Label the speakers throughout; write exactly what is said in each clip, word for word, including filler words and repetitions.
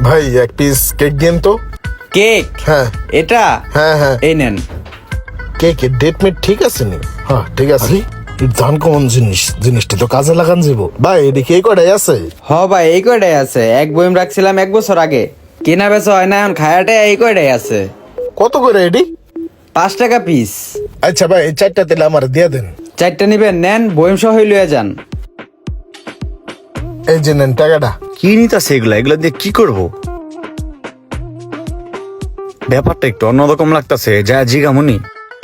Speaker 1: ভাই এক piece cake দিন তো।
Speaker 2: কেক?
Speaker 1: হ্যাঁ
Speaker 2: এটা?
Speaker 1: হ্যাঁ হ্যাঁ
Speaker 2: এই নেন।
Speaker 1: কেকের ডেট মেট ঠিক আছে নি? হ্যাঁ ঠিক আছে। ধান কমন জিনিস, জিনিসটা তো কাজে লাগান যাব ভাই। এদিকে এই কটাই আছে?
Speaker 2: হ ভাই এই কয়টাই আছে, এক বইম রাখছিলাম এক বছর আগে, কেনা বেচা হয় না এখন, খায়াটা এই কয়টাই আছে।
Speaker 1: কত করে এডি?
Speaker 2: পাঁচ টাকা পিস।
Speaker 1: আচ্ছা ভাই এই চারটা তেলে আমার দিয়ে দেন।
Speaker 2: চারটা নিবেন? নেন, বইম সহ লইয়া যান।
Speaker 1: এই যে নেন টাকাটা।
Speaker 3: কি নিতাছে এগুলা? এগুলা দিয়ে কি করব? ব্যাপারটা একটু অন্যরকম লাগতাছে, যা জিগামুনি।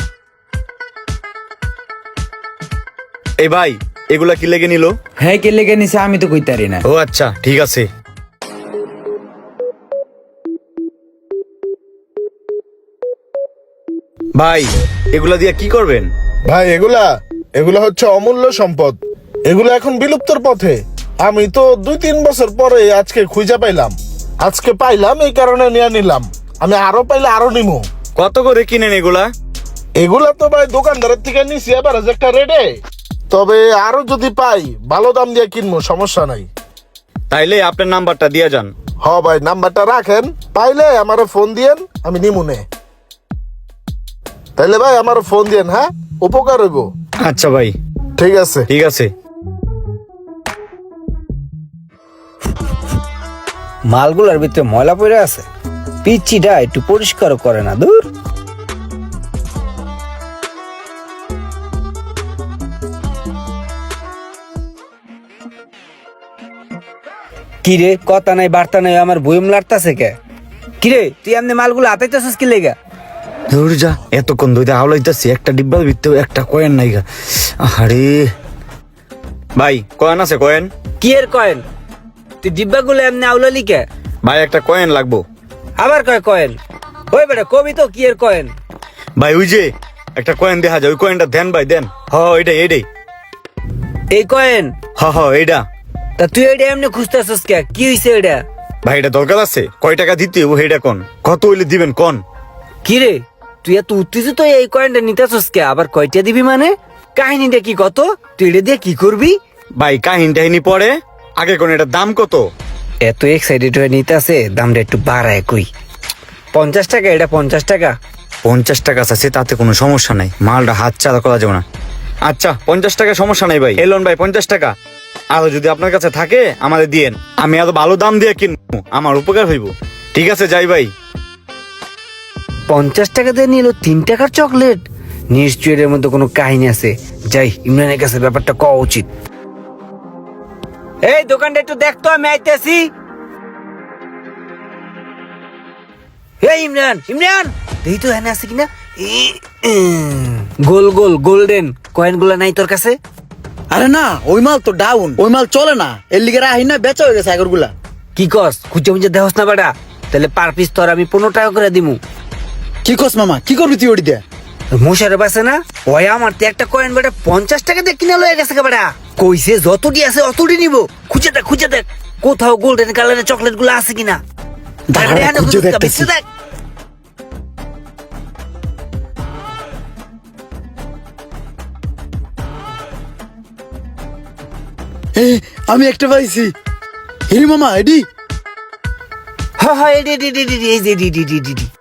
Speaker 3: এই ভাই এগুলা কি লেগে নিল?
Speaker 2: হ্যাঁ, কে লেগে নিছে আমি তো কইতারি না।
Speaker 3: ও আচ্ছা ঠিক আছে। ভাই এগুলা দিয়ে কি করবেন?
Speaker 1: ভাই এগুলা এগুলা হচ্ছে অমূল্য সম্পদ। এগুলা এখন বিলুপ্তর পথে। আমি তো দুই তিন বছর পরে আজকে খুঁজে পাইলাম। আজকে পাইলাম এই কারণে নিয়ে নিলাম। আমি আরো পাইলে আরো নিমু।
Speaker 3: কত করে কিনেন এগুলা?
Speaker 1: এগুলা তো ভাই দোকানদারের থেকে নিছি এবার একটা রেটে। তবে আরো যদি পাই ভালো দাম দিয়ে কিনবো, সমস্যা নাই।
Speaker 3: তাইলে আপনার নাম্বারটা দিয়ে যান।
Speaker 1: হ ভাই নাম্বারটা রাখেন, পাইলে আমারে ফোন দিয়েন, আমি নিমুনে। তাইলে ভাই আমার ফোন দিয়েন, হ্যাঁ উপকার হইব।
Speaker 3: আচ্ছা ভাই
Speaker 1: ঠিক আছে।
Speaker 3: ঠিক আছে।
Speaker 4: মালগুলার ভিতরে ময়লা পড়ে আছে, পিচ্চিটা একটু পরিষ্কার করে না। দূর কিরে, কথা নাই বার্তা নাই, আমার বইম লাড়তাছে কে? কিরে তুই এমনি মালগুলো হাতাইতেছিস কি লেগা?
Speaker 3: দূর যা, এতক্ষণ ধরে হাওলাইতেছি, একটা ডিব্বার ভিতরে একটা কয়েন নাই গা। আরে ভাই কয়েন আছে? কয়েন
Speaker 4: কি এর কয়েন? তুই ডিব্বাগুলো এমনি আউলালি কে?
Speaker 3: ভাই একটা কয়েন লাগবো।
Speaker 4: আবার কয় কয়েন? ওই বেটা কবি তো কি এর কয়েন?
Speaker 3: ভাই ওই যে একটা কয়েন দেখা যায়, ওই কয়েনটা দেন ভাই দেন। হ এইটাই এইটাই।
Speaker 4: এই কয়েন?
Speaker 3: হ হ এইটা।
Speaker 4: তা তুই এটা এমনি খুঁজতেছিস কে? কি হইছে এটা?
Speaker 3: ভাই এটা দরকার আছে, কয় টাকা দিতে ও এইটা কোন, কত হইলে দিবেন কোন?
Speaker 4: কিরে তুই এত উত্তেজিত হয়ে এই কয়েনটা নিতেছিস কে? আবার কয়টা দিবি মানে? কাহিনীটা কি কত? তুই এটা দিয়ে কি করবি?
Speaker 3: ভাই কাহিনী টাহিনী পরে, আগে কোন এটার দাম কত?
Speaker 4: এত এক্সাইটেড হয়ে নিতেছে, দামটা একটু বাড়ায় কই। পঞ্চাশ টাকা এটা, পঞ্চাশ টাকা।
Speaker 3: পঞ্চাশ টাকা আছে, তাতে কোনো সমস্যা নাই, মালটা হাত চালা করা যাবে না। আচ্ছা পঞ্চাশ টাকা সমস্যা নাই ভাই, এলন ভাই পঞ্চাশ টাকা। আরো যদি আপনার কাছে থাকে আমাদের দিয়েন, আমি এত ভালো দাম দিয়ে কিনবো, আমার উপকার হইব। ঠিক আছে যাই ভাই।
Speaker 4: পঞ্চাশ টাকা দিয়ে নিল তিন টাকার চকলেট। নিশ্চয়ই এর মধ্যে কোনো কাহিনী আছে। যাই ইমরানের কাছে ব্যাপারটা কওয়া উচিত। এই দোকানটা একটু দেখতো, আমি আইতেছি। এই ইমরান, ইমরান দেখি তো এখানে আছে কিনা। ই- উম, গোল গোল গোল্ডেন কয়েন গুলা নাই তোর কাছে?
Speaker 5: আরে না, ওই মাল তো ডাউন, ওই মাল চলে না, এর লিগে রাহি না, বেচা হয়ে গেছে আগর গুলা।
Speaker 4: কি কস? খুঁজে মুজে দেহস না বেটা? তাহলে পার পিস তোর আমি পনেরো টাকা করে দিমু।
Speaker 5: কি কস মামা, কি করবি তুই ওটি দিয়ে?
Speaker 4: মশারে পাশে না ওই আমার তো একটা কয়েন বেটা পঞ্চাশ টাকা দিয়ে কিনা লয়ে গেছে বেটা। কইছে যতটি আছে অতটি নিব। খুঁজে দেখ খুঁজে দেখ কোথাও গোল্ডেন কালারের চকলেট গুলো আছে কিনা।
Speaker 5: দাঁড়া,
Speaker 4: এখানে
Speaker 5: খুঁজে
Speaker 4: খুঁজে
Speaker 5: দেখতেছি।
Speaker 4: দেখ।
Speaker 5: এ, আমি একটা পাইছি। হিরি মামা এডি।
Speaker 4: হ্যাঁ হ্যাঁ এডি এডি এডি এডি, এই যে এডি এডি এডি এডি।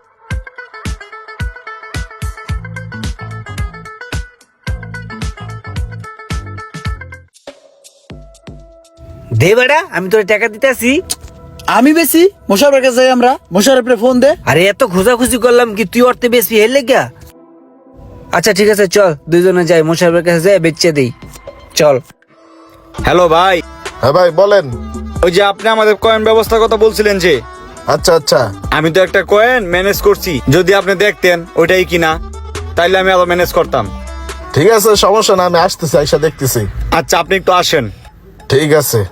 Speaker 4: দে বেটা, আমি তোর টাকা দিতেছি।
Speaker 5: আমি বেশি মোশারফের কাছে যাই, আমরা মোশারফের ফোন দে।
Speaker 4: আরে এত খোঁজাখুঁজি করলাম কি তুই অর্থে বেশি হেলে গা? আচ্ছা ঠিক আছে চল দুইজনে যাই, মোশারফের কাছে যাই বেচে দেই। চল।
Speaker 3: হ্যালো ভাই,
Speaker 1: হ্যাঁ ভাই বলেন।
Speaker 3: ওই যে আপনি আমাদের কয়েন ব্যবস্থার কথা বলছিলেন যে,
Speaker 1: আচ্ছা আচ্ছা
Speaker 3: আমি তো একটা কয়েন ম্যানেজ করছি, যদি আপনি দেখতেন ওইটাই কিনা, তাইলে আমি আরো ম্যানেজ করতাম।
Speaker 1: ঠিক আছে, সমস্যা না, আমি আসতেছি, আইসা দেখতেছি।
Speaker 3: আচ্ছা আপনি একটু আসেন।
Speaker 1: ঠিক আছে।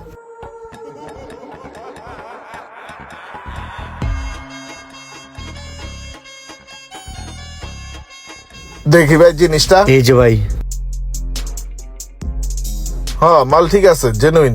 Speaker 1: দেখি ভাই জিনিসটা।
Speaker 3: এই যে ভাই।
Speaker 1: হ্যাঁ মাল ঠিক আছে, জেনুইন।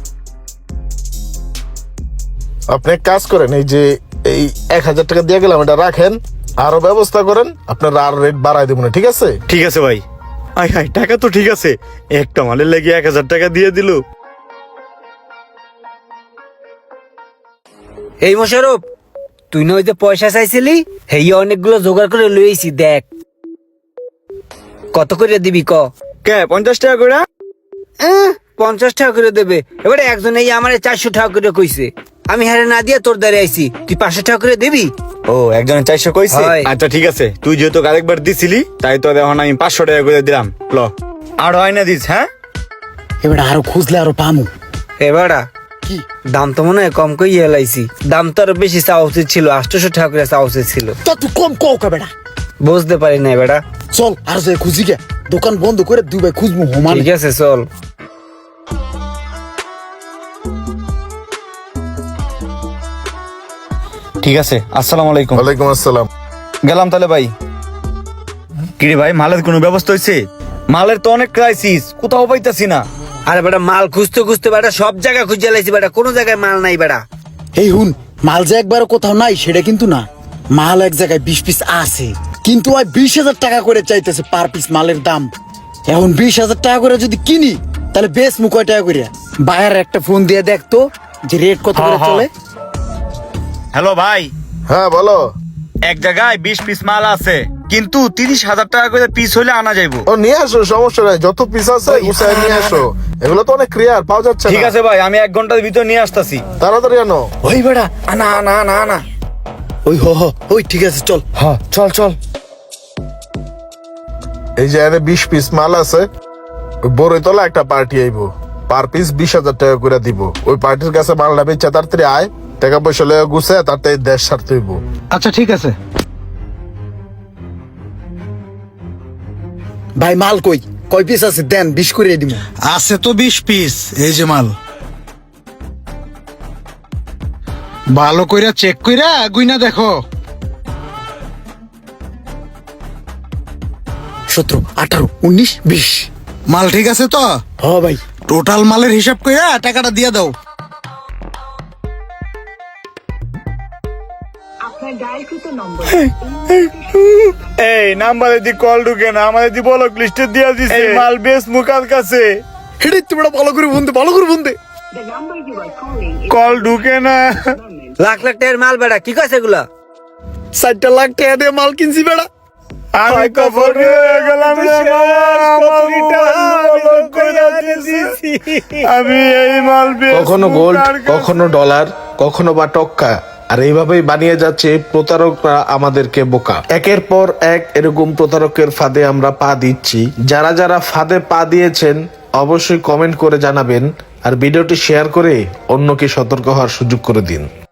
Speaker 1: আপনি এক কাজ করেন, এই যে এই এক হাজার টাকা দিয়ে গেলাম, এটা রাখেন, আরো ব্যবস্থা করেন, আপনার আর রেট বাড়াই দেবো না, ঠিক আছে?
Speaker 3: ঠিক আছে ভাই। আই হাই, টাকা তো ঠিক আছে, একটা মালের লেগে এক হাজার টাকা দিয়ে দিল।
Speaker 4: এই মোশারফ, তুই না ওই যে পয়সা চাইছিলি, হেই অনেকগুলো জোগাড় করে লইছি, দেখ কত করে দিবি ক।
Speaker 3: কে পঞ্চাশ টাকা করে?
Speaker 4: আহ, পঞ্চাশ টাকা করে দেবে। এবারে একজন এই আমার চারশো টাকা করে কইছে, আমি হারে না দিয়ে তোর দ্বারে আইছি, তুই পাঁচশো টাকা করে দিবি।
Speaker 3: ও একজনের চারশো কইছে?
Speaker 4: হয়।
Speaker 3: আচ্ছা ঠিক আছে, তুই যেহেতু আরেকবার দিছিলি তাই তো এখন আমি পাঁচশো টাকা করে দিলাম। ল আর হয় না দিস, হ্যাঁ?
Speaker 5: এবার আরো খুঁজলে আরো পামু।
Speaker 4: এবারা
Speaker 5: কি
Speaker 4: দাম তো মনে হয় কম কই এলাইছি, দাম তো আরো বেশি চাওয়া উচিত ছিল, আটশোশো টাকা করে চাওয়া উচিত ছিল।
Speaker 5: তা তুই কম কও কা বেটা।
Speaker 4: বুঝতে পারি না বেটা।
Speaker 5: চল আর যে খুঁজি গে, দোকান বন্ধ করে দুই ভাই খুঁজবো হোমান।
Speaker 4: ঠিক আছে চল।
Speaker 3: ঠিক আছে, আসসালামু আলাইকুম।
Speaker 1: ওয়ালাইকুম আসসালাম।
Speaker 3: গেলাম তাহলে ভাই। কিরে ভাই, মালের কোনো ব্যবস্থা হয়েছে? মালের তো অনেক ক্রাইসিস, কোথাও পাইতাছি না।
Speaker 4: আরে বেটা মাল খুঁজতে খুঁজতে বেটা সব জায়গায় খুঁজে লাইছি বেটা, কোনো জায়গায় মাল নাই বেটা।
Speaker 5: এই হুন, মাল যে একবার কোথাও নাই সেটা কিন্তু না, মাল এক জায়গায় বিশ পিস আছে, কিন্তু ওই বিশ হাজার টাকা করে চাইতেছে পার পিস মালের দাম। এখন বিশ হাজার টাকা করে যদি কিনি তাহলে বেশ মু কয় টাকা করে। বাইরে একটা ফোন দিয়ে দেখতো যে রেট কত করে
Speaker 3: হ্যাঁ,
Speaker 5: চলে।
Speaker 3: হ্যালো ভাই,
Speaker 1: হ্যাঁ বলো।
Speaker 3: এক জায়গায় বিশ পিস মাল আছে, কিন্তু তিরিশ হাজার টাকা করে পিস হলে আনা যাইবো।
Speaker 1: ও নিয়ে আসো, সমস্যা নাই, যত পিস আছে গুছায় নিয়ে আসো। এগুলো তো অনেক ক্লিয়ার, পাওয়া যাচ্ছে
Speaker 3: ঠিক
Speaker 1: না।
Speaker 3: আছে ভাই, আমি এক ঘন্টার ভিতর নিয়ে আসতেছি।
Speaker 1: তাড়াতাড়ি আনো।
Speaker 5: ওই বেড়া
Speaker 3: আনা আনা আনা আনা।
Speaker 5: ওই হ হ ওই ঠিক আছে চল।
Speaker 3: হ্যাঁ চল চল।
Speaker 1: এই যে এনে বিশ পিস মাল আছে, ওই বড়ইতলা একটা পার্টি আইব, পার পিস বিশ হাজার টাকা করে দিব। ওই পার্টির কাছে মালটা বেচা তাড়াতাড়ি আয়, টাকা পয়সা লয়ে গুছে তাড়াতাড়ি দেশ ছাড়তে হইব।
Speaker 5: আচ্ছা ঠিক আছে ভাই। মাল কই কয় পিস আছে দেন, বিশ করে দিব।
Speaker 6: আছে তো বিশ পিস, এই যে মাল। ভালো কইরা চেক কইরা গুইনা দেখো।
Speaker 5: সতেরো আঠারো উনিশ বিশ।
Speaker 6: মাল ঠিক আছে তো?
Speaker 5: হ ভাই।
Speaker 6: টোটাল মালের হিসাব কইরা টাকাটা দিয়ে দাও।
Speaker 7: আপনার ডায়ালকৃত নম্বর
Speaker 3: এই নাম্বারে দি কল ঢুকে না, আমাদের দি ব্লক লিস্টে দিয়া দিছে। এই মাল বেশ মুকার কাছে,
Speaker 5: হেডে তোমরা ভালো করে বন্ধে ভালো করে বন্ধে।
Speaker 7: the number you are calling is
Speaker 3: call ঢুকে না।
Speaker 4: লাখ লাখ টাকার মাল বেটা, কি কইছে এগুলা?
Speaker 5: ষাটটা লাখ টাকা দিয়ে মাল কিনছি বেড়া।
Speaker 3: আমি কবর হয়ে গেলাম রে বাবা, ব্লক কইরা দিছি। আমি এই মাল বেশ
Speaker 1: কখনো গোল্ড,
Speaker 3: মুকার কাছে।
Speaker 1: কখনো ডলার, কখনো বা টক্কা, আর এইভাবেই বানিয়ে যাচ্ছে প্রতারকরা আমাদেরকে বোকা। একের পর এক এরকম প্রতারকের ফাঁদে আমরা পা দিচ্ছি। যারা যারা ফাঁদে পা দিয়েছেন অবশ্যই কমেন্ট করে জানাবেন, আর ভিডিওটি শেয়ার করে অন্যকে সতর্ক হওয়ার সুযোগ করে দিন।